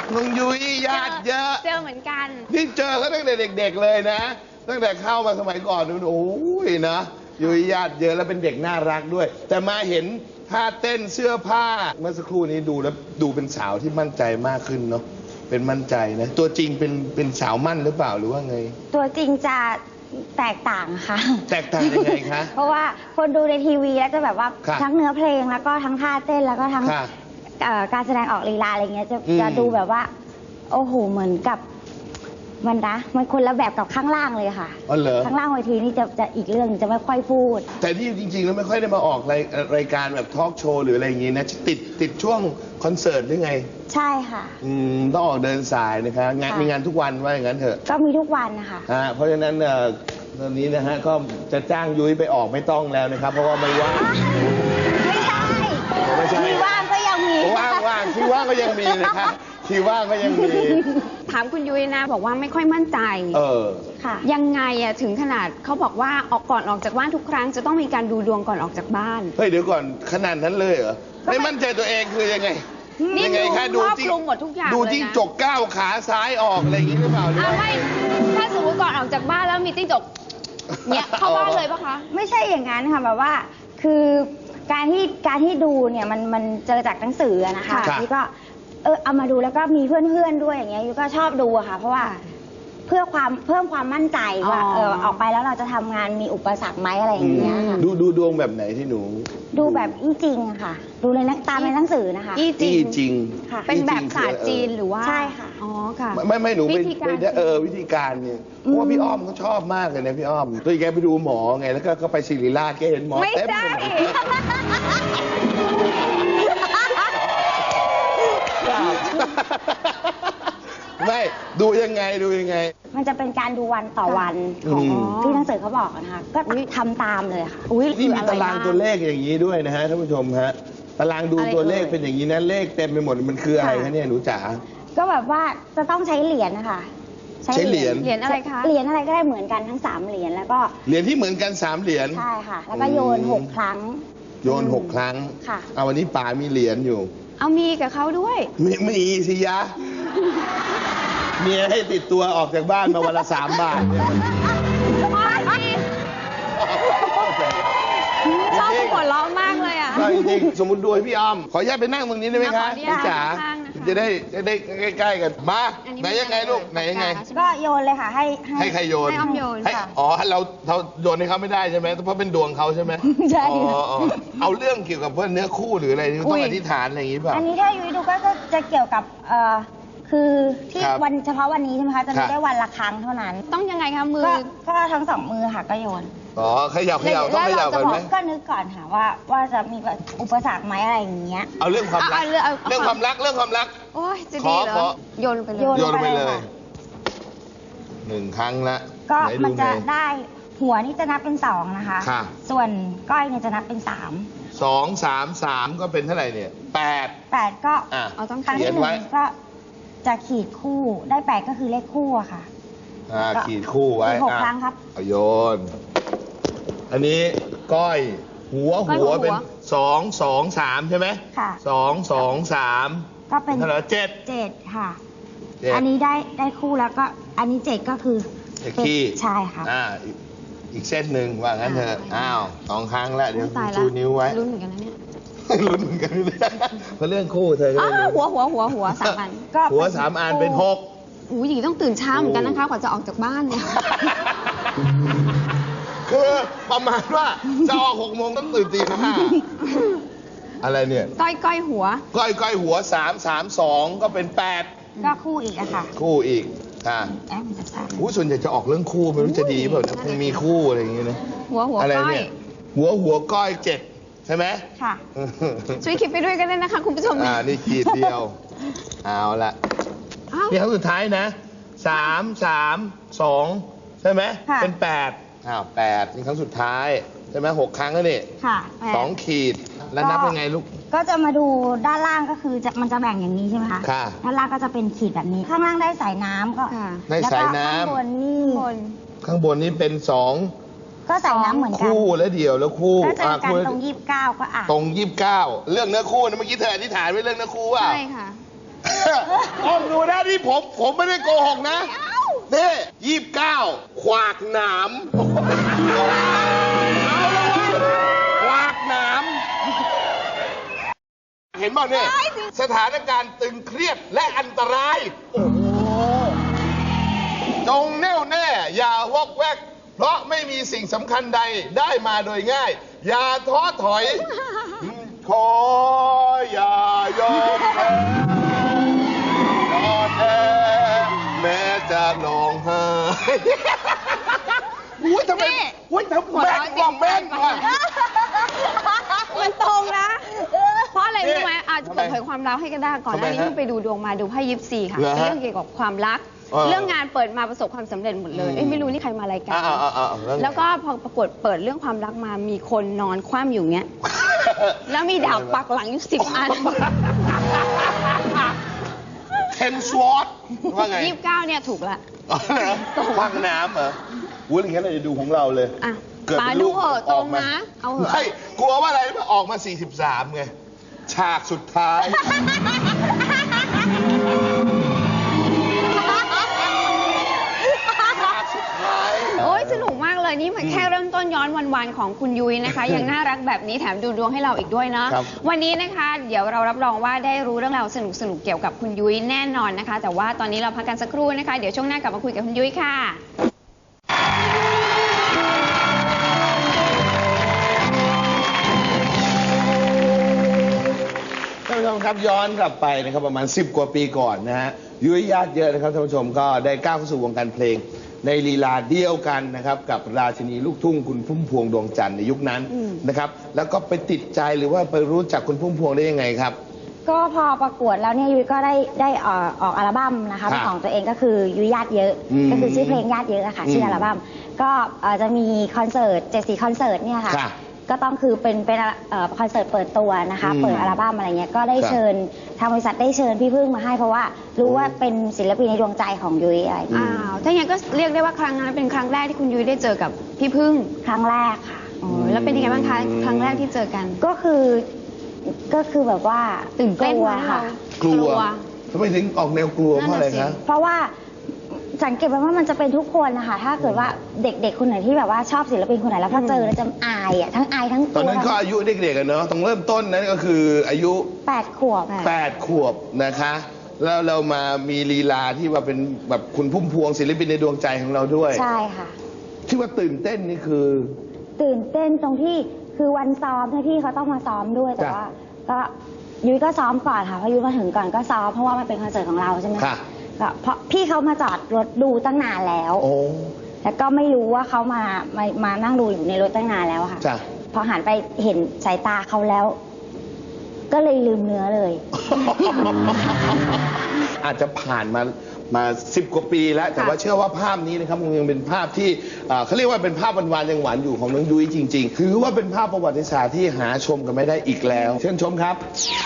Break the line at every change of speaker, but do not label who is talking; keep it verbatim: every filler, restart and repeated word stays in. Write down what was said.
น้องยุ้ยญาติเยอะ
เจอเหมือนกัน
นี่เจอเขาตั้งแต่เด็กๆเลยนะตั้งแต่เข้ามาสมัยก่อนดูโอ้ยนะยุ้ยญาติเยอะแล้วเป็นเด็กน่ารักด้วยแต่มาเห็นท่าเต้นเสื้อผ้าเมื่อสักครู่นี้ดูแล้วดูเป็นสาวที่มั่นใจมากขึ้นเนาะเป็นมั่นใจนะตัวจริงเป็นเป็นสาวมั่นหรือเปล่าหรือว่าไง
ตัวจริงจะแตกต่างค่ะ
แตกต่างยังไงคะ
เพราะว่าคนดูในทีวีแล้วจะแบบว่าทั้งเนื้อเพลงแล้วก็ทั้งท่าเต้นแล้วก็ทั้งการแสดงออกลีลาอะไรเงี้ยจะจะดูแบบว่าโอ้โหเหมือนกับมันนะมันคนละแบบกับข้างล่างเลยค่ะ
อ๋อเหรอ
ข้างล่างเวทีนี่จะจะอีกเรื่องจะไม่ค่อยพูด
แต่ที่จริงๆแล้วไม่ค่อยได้มาออกรายรายการแบบทอล์กโชว์หรืออะไรอย่างงี้นะติดติดช่วงคอนเสิร์ตหรือไง
ใช่ค่ะ
อืมต้องออกเดินสายนะคะงานมีงานทุกวันว่าอย่างนั้นเถอะ
ก็มีทุกวันนะคะ
อ่าเพราะฉะนั้นตอนนี้นะฮะก็จะจ้างยุ้ยไปออกไม่ต้องแล้วนะครับเพราะว่าไม่ว่าง
ไม่ใช่
ไม่ใช่
ที่ว่างก็ยังมี
ว่างว่างที่ว่างก็ยังมีนะครับที่ว่างก็ยังมี
ถามคุณยุ้ยนะบอกว่าไม่ค่อยมั่นใจ
เออ
ค่ะ
ยังไงอะถึงขนาดเขาบอกว่าออกก่อนออกจากบ้านทุกครั้งจะต้องมีการดูดวงก่อนออกจากบ้าน
เฮ้ยเดี๋ยวก่อนขนาดนั้นเลยเหรอไม่มั่นใจตัวเองคือยังไง
นี่ดูครอบคลุมหมดทุกอย่าง
ดูจิ้งจกก้าวขาซ้ายออกอะไรอย่างนี้หรือเปล่าเนี่ย
ไม่ถ้าสมมติก่อนออกจากบ้านแล้วมีจิ้งจกเนี่ยเข้าบ้านเลยปะคะ
ไม่ใช่อย่างนั้นค่ะแบบว่าคือการที่การที่ดูเนี่ยมันมันเจอจากหนังสือนะคะที่ก็เออเอามาดูแล้วก็มีเพื่อนๆด้วยอย่างเงี้ยยูก็ชอบดูอะค่ะเพราะว่าเพื่อความเพิ่มความมั่นใจว่าเออออกไปแล้วเราจะทำงานมีอุปสรรคไหมอะไรอย่างเงี้ยค่ะ
ดูดูดวงแบบไหนที่หนู
ดูแบบอี้จริงอะค่ะดูในตามในหนังสือนะคะ
อี้จริง
จริง
ค่ะ
เป็นแบบศาสตร์จีนหรือว่า
ใช่ค่ะ
อ๋อค่ะ
ไม่ไม่หนูไปเออวิธีการเนี่ยเพราะว่าพี่อ้อมเขาชอบมากเลยนะพี่อ้อมตัวแกไปดูหมอไงแล้วก็ก็ไปศิริราชแกเห็นหมอ
ไม่ได้
ไม่ดูยังไงดูยังไง
มันจะเป็นการดูวันต่อวันของที่หนังสือเขาบอกนะคะก็ทำตามเลยค่ะ
นี่มีตารางตัวเลขอย่างนี้ด้วยนะฮะท่านผู้ชมฮะตารางดูตัวเลขเป็นอย่างนี้นะเลขเต็มไปหมดมันคืออะไรคะเนี่ยหนูจ๋า
ก็แบบว่าจะต้องใช้เหรียญนะคะ
ใช้เหรียญ
เหรียญอะไรคะ
เหรียญอะไรก็ได้เหมือนกันทั้งสามเหรียญแล้วก็
เหรียญที่เหมือนกันสามเหรียญ
ใช่ค่ะแล้วก็โยนหกครั้ง
โยนหกครั้ง
ค่ะ
เอาวันนี้ป๋ามีเหรียญอยู่
เอามีกับเขาด้วย
มีมีสิยะเมียให้ติดตัวออกจากบ้านมาวันละสามบาท
ชอบหัวเราะมากเลยอ่ะ
จริงๆสมมติดูให้พี่อ้อมขออนุญาตไปนั่งตรงนี้ได้ไหมคะพี่จ๋าจะได้จะได้ใกล้ๆกันมาไหนยังไงลูกไหนยังไง
ก็โยนเลยค่ะให้
ให้ใครโยน
ให้อ้อมโยน
ค่ะอ๋อเราเราโยนให้เขาไม่ได้ใช่ไหมเพราะเป็นดวงเขาใช่ไหม
ใช่
อ๋อเอาเรื่องเกี่ยวกับเพื่อนเนื้อคู่หรืออะไรต้องอธิษฐานอะไรอย่างนี้ป่ะ
อันนี้ถ้ายุ้ยดูก็จะเกี่ยวกับเอ่อคือที่วันเฉพาะวันนี้ใช่ไหมคะจะดูได้วันละครั้งเท่านั้น
ต้องยังไงคะมือ
ก็ทั้งสองมือค่ะก็โยน
อ๋อขยับขยับต้องขยับก่อนไหม
ก็นึกก่อนค่ะว่าว่าจะมีอุปสรรคไหมอะไรอย่างเงี้ย
เอาเรื่องความรักเรื่องความรักเรื่องความรัก
โอ้ยจะดีเหรอโยนไปเลย
โยนไปเลยหนึ่งครั้งละ
ก็มันจะได้หัวนี่จะนับเป็นสองนะคะส่วนก้อยเนี่ยจะนับเป็นสาม
สองสามสามก็เป็นเท่าไหร่เนี่ยแปด
แปดก็
เอา
ต้องครั้งที่หนึ่งก็จะขีดคู่ได้แปดก็คือเลขคู่อะค่ะ
อ่าขีดคู่ไว้
หกครั้งครับ
เอาโยนอันนี้ก้อยหัวหัวเป็นสองสองสามใช่ไหม
ค่ะ
สองสองสาม
ก็เป็น
เท่าไหร่เจ็ด
เจ็ดค่ะอันนี้ได้ได้คู่แล้วก็อันนี้เจ็ดก็คือ
เจ็ดขี้
ใช่ค่ะ
อ่าอีกเส้นหนึ่งว่างั้นเถอะอ้าวสองครั้งแล้วเดี๋ยวชูนิ้วไว้
ลุ้นเหมือนกันนะเนี่ย
ลุ้นเหมือนกันเพราะเรื่องคู่เธอก็
เลยหัวหัวหัวหัวสามอัน
ก็หัวสามอันเป็นหก
อู้ยต้องตื่นเช้าเหมือนกันนะคะกว่าจะออกจากบ้านเนี่ย
คือประมาณว่าจะออกหกโมงต้องตื่นตีห้าอะไรเนี่ย
ก้อยก้อยหัว
ก้อยก้อยหัวสามสามสองก็เป็นแปด
ก็คู่อีกอะค่ะ
คู่อีกอ่าอู้ส่วนใหญ่จะออกเรื่องคู่ไม่รู้จะดีเปล่าคงมีคู่อะไรอย่างเงี้ยนะ
หัวหัวก้อย
หัวหัวก้อยเจ็ดใช่ไหม
ค่ะ
ช่วยคิดไปด้วยกันเลยนะคะคุณผู้ชม
อ่านี่ขีดเดียวเอาละนี่ครั้งสุดท้ายนะสามสามสองใช่ไหมเป็นแปดอ้าวแปดนี่ครั้งสุดท้ายใช่ไหมหกครั้งแล้วนี่
ค่ะ
สองขีดแล้วนับยังไงลูก
ก็จะมาดูด้านล่างก็คือจะมันจะแบ่งอย่างนี้ใช่ไหมคะ
ค่ะ
ด้านล่างก็จะเป็นขีดแบบนี้ข้างล่างได้สายน้ำก็
ได้สายน้ำ
ข้างบนนี่
ข้างบนนี้เป็นสอง
ก็สายน้ำเหมือนกัน
คู่แล้วเดียวแล้วคู่
ก็จะกันตรงยี่สิบเก้าก็อ่ะ
ตรงยี่สิบเก้าเรื่องเนื้อคู่นะเมื่อกี้เธออธิษฐานไว้เรื่องเนื้อคู่ว่า
ใช่ค่ะ
อ้อมดูนะนี่ผมผมไม่ได้โกหกนะนี่ยี่สิบเก้าขวากหนามเอาละวะขวากหนามเห็นบ้างเนี่ยสถานการณ์ตึงเครียดและอันตราย โอ้โหจงแน่วแน่ อย่าวอกแวก เพราะไม่มีสิ่งสำคัญใดได้มาโดยง่าย อย่าท้อถอย ขออย่ายอมแพ้นอนแอแม้จะร้องไห้อุ้ยทำไมอุ้ยทำแม่นว่าแม่นว่ะ
มันตรงนะ เพราะอะไร
นี่
รู้ไหมอาจจะ
ทำไม
เปิดเผยความลับให้ก็ได้ก่อนหน้านี้
ทำไมฮะ
เพิ่งไปดูดวงมาดูไพ่ยิปซีค่ะ
เหรอฮะ
เป็นเรื่องเกี่ยวกับความรัก
เออ
เรื่องงานเปิดมาประสบความสำเร็จหมดเลย
อืม
เอ้ยไม่รู้นี่ใครมารายการ
อ่าอ่าอ่าแล้วไง
แล้วก็พอปรากฏเปิดเรื่องความรักมามีคนนอนคว่ำอยู่เงี้ย แล้วมีดาบปักหลังอยู่สิบอัน
เทนสวอตว่าไง
ยี่สิบเก้าเนี่ยถูกละ
อ๋อเหรอควักน้ำเหรออุ้ยอย่างนั้นเราจะดูของเราเลย
อ่ะ
เกิด
ป๋า
เป็น
ดู
ลูก
เหอะตรงนะ เอาเหอะ
ไม่กลัวว่าอะไรรู้ไหมออกมา สี่สิบสาม ไง ฉากสุดท้าย ฉากสุดท้าย
โอ้ยสนุกมากเลยนี่มันแค่เริ่มต้นย้อนวันๆของคุณยุ้ยนะคะ ยังน่ารักแบบนี้แถมดูดวงให้เราอีกด้วยเนาะ
ครับ
วันนี้นะคะเดี๋ยวเรารับรองว่าได้รู้เรื่องราวสนุกๆเกี่ยวกับคุณยุ้ยแน่นอนนะคะ แต่ว่าตอนนี้เราพักกันสักครู่นะคะ เดี๋ยวช่วงหน้ากลับมาคุยกับคุณยุ้ยค่ะ
ท่านผู้ชมครับย้อนกลับไปนะครับประมาณ สิบ กว่าปีก่อนนะฮะยุ้ยญาติเยอะนะครับท่านผู้ชมก็ได้ก้าวเข้าสู่วงการเพลง ในลีลาเดียวกันนะครับกับราชินีลูกทุ่งคุณพุ่มพวงดวงจันทร์ในยุคนั้น
อืม
นะครับแล้วก็ไปติดใจหรือว่าไปรู้จักคุณพุ่มพวงได้ยังไงครับ
ก็พอประกวดแล้วเนี่ยยุ้ยก็ได้ได้เอ่อออกอัลบั้มนะคะ
ครับ
ของตัวเองก็คือยุ้ยญาติเยอะ
อืม
ก็คือชื่อเพลงญาติเยอะอะค่ะชื่ออัลบั้มก็เอ่อจะมีคอนเสิร์ตเจ็ดสีคอนเสิร์ตเนี่ยค่ะ
ค่ะ
ก็ต้องคือเป็นเป็นเอ่อคอนเสิร์ตเปิดตัวนะคะ
อืม
เปิดอัลบั้มอะไรเงี้ยก็ได้
ครับ
เชิญทางบริษัทได้เชิญพี่พึ่งมาให้เพราะว่ารู้ว่าเป็นศิลปินในดวงใจของยุ้ยอะไรอย่างเงี้ย
อ้าวถ้าอย่างนั้นก็เรียกได้ว่าครั้งนั้นเป็นครั้งแรกที่คุณยุ้ยได้เจอกับพี่พึ่ง
ครั้งแรกค่ะ
อ๋อแล้วเป็นยังไงบ้างคะครั้งแรกที่เจอกัน
ก็คือก็คือแบบว่า
ตื่นเต้น
กลัว
ไหม
ค่ะ
กลัวทำไมถึงออกแนวกลัวเพราะอะไร
นั่นน่ะสิ
คะ
เพราะว่าสังเกตไว้ว่ามันจะเป็นทุกคนนะคะ ถ้าเกิดว่าเด็กๆคนไหนที่แบบว่าชอบศิลปินคนไหนแล้วพอเจอแล้วจะอายอ่ะทั้งอายทั้งก
ตอน
ลัว
นั้นก็อายุเด็กๆกันเนาะต้องเริ่มต้นนั้นก็คืออายุ
แปดขวบ
แปดขวบนะคะ แล้วเรามามีลีลาที่ว่าเป็นแบบคุณพุ่มพวงศิลปินในดวงใจของเราด้วย
ใช่ค่ะ
ที่ว่าตื่นเต้นนี่คือ
ตื่นเต้นตรงที่คือวันซ้อมที่พี่เขาต้องมาซ้อมด้วยแต่
จ้ะ
ว่าก็ยุ้ยก็ซ้อมก่อนค่ะเพราะยุ้ยมาถึงก่อนก็ซ้อมเพราะว่ามันเป็นคอนเสิร์ตของเราใช่ไหม
ค่ะ
ก็เพราะพี่เขามาจอดรถดูตั้งนานแล้ว
โอ้
แล้วก็ไม่รู้ว่าเขามามามานั่งดูอยู่ในรถตั้งนานแล้วอะค่ะ
จ้ะ
พอหันไปเห็นสายตาเขาแล้ว ก็เลยลืมเนื้อเลย
อาจจะผ่านมามาสิบกว่าปีแล้ว แต่ว่าเชื่อว่าภาพนี้นะครับมันยังเป็นภาพที่เอ่อเขาเรียกว่าเป็นภาพหวานๆยังหวานอยู่ของน้องยุ้ยจริงๆ ถือว่าเป็นภาพประวัติศาสตร์ที่หาชมกันไม่ได้อีกแล้ว เชิญชมครับ